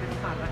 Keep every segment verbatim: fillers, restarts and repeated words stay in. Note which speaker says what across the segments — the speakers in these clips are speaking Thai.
Speaker 1: ขาดแล้ว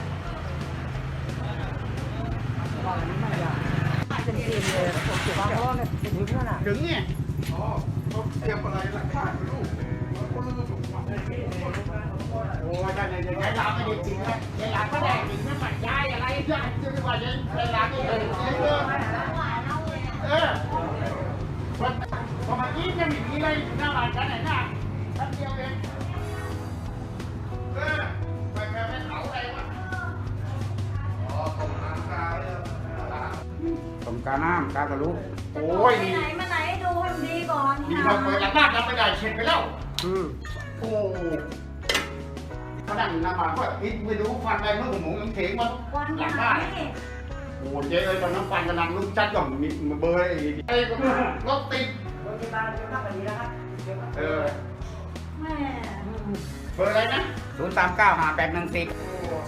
Speaker 1: ถึงเนี่ยอ๋อเขาเตรียมอะไรหลักฐานลูกคนรู้ถูกไหมโอ้ยได้เลยยายลาไม่ได้จริงนะยายลาก็ได้จริงนะมันยายอะไรยายจะไม่ว่ายายลาไม่ได้จริงเลยเออพอพอมากี้จะมีอะไรหน้าบ้านกันไหนหน้าแป๊บเดียวเองเออไปแค่ไม่เผาอะไรวะอ๋อตรงน้ำกาเลยตรงกาน้ำกากระลุกโอ้ย
Speaker 2: ไปไหนมาไหนดูให้มันดีก่อน
Speaker 1: นี่เราเปิดหลังบ้านเราไม่ได้เช็ดไปแล้วอืมโอ้เขานั่งนำมาก็อิดไม่รู้ฟันไปเมื่อผมหมูยังเถียงมาหลังบ้านโอ้เจ๊เอ้ยตอนน้ำฟันกำลังลุกจัดก่อนมีเบอร์ไอ้ก็รถติดรถที่บ้านเดี๋ยวขับไปดีแล้วครับเออแม่เบอร์อะไรนะศูนย์สามเก้าห้าแปดหนึ่งสิบ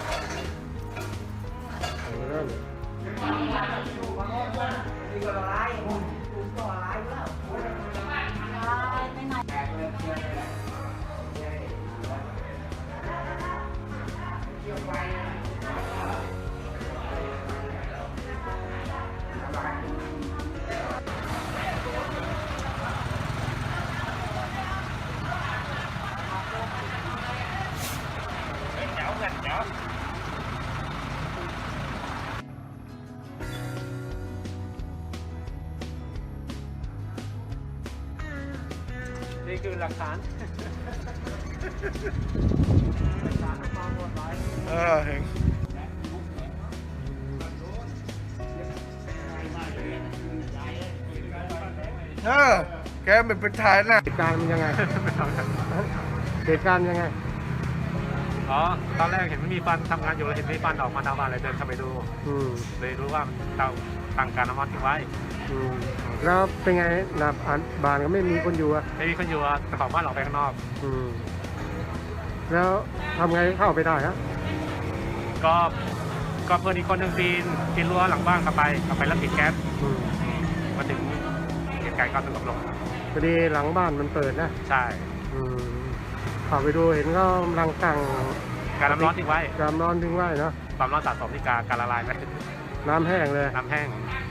Speaker 1: นี่คือหลักฐานเออเห็นเออแกเป็นเป็นถ่ายนะเหตุการณ์มันยังไงเหตุการณ์ยังไงอ๋อตอนแรกเห็นไม่มีฟันทำงานอยู่แล้วเห็นไม่มีฟันออกมาหน้าบ้านเลยเดินเข้าไปดูเลยรู้ว่าเตาตั้งการน้ำมันทิ้งไว้แล้วเป็นไงหน้าบ้านก็ไม่มีคนอยู่อ่ะไม่มีคนอยู่อ่ะแต่ของบ้านออกไปข้างนอกอืมแล้วทำไงเข้าไปได้ฮะก็ก็เพื่อนอีกคนหนึ่งปีนปีนรั้วหลังบ้านเข้าไปเข้าไปแล้วปิดแก๊สมาถึงเหตุการณ์ก็สงบลงพอดีหลังบ้านมันเปิดนะใช่อืมเข้าไปดูเห็นก็กำลังตั้งการน้ำร้อนทิ้งไว้การน้ำร้อนทิ้งไว้เนาะความร้อนสะสมที่การการละลายไหมน้ำแห้งเลยน้ำแห้ง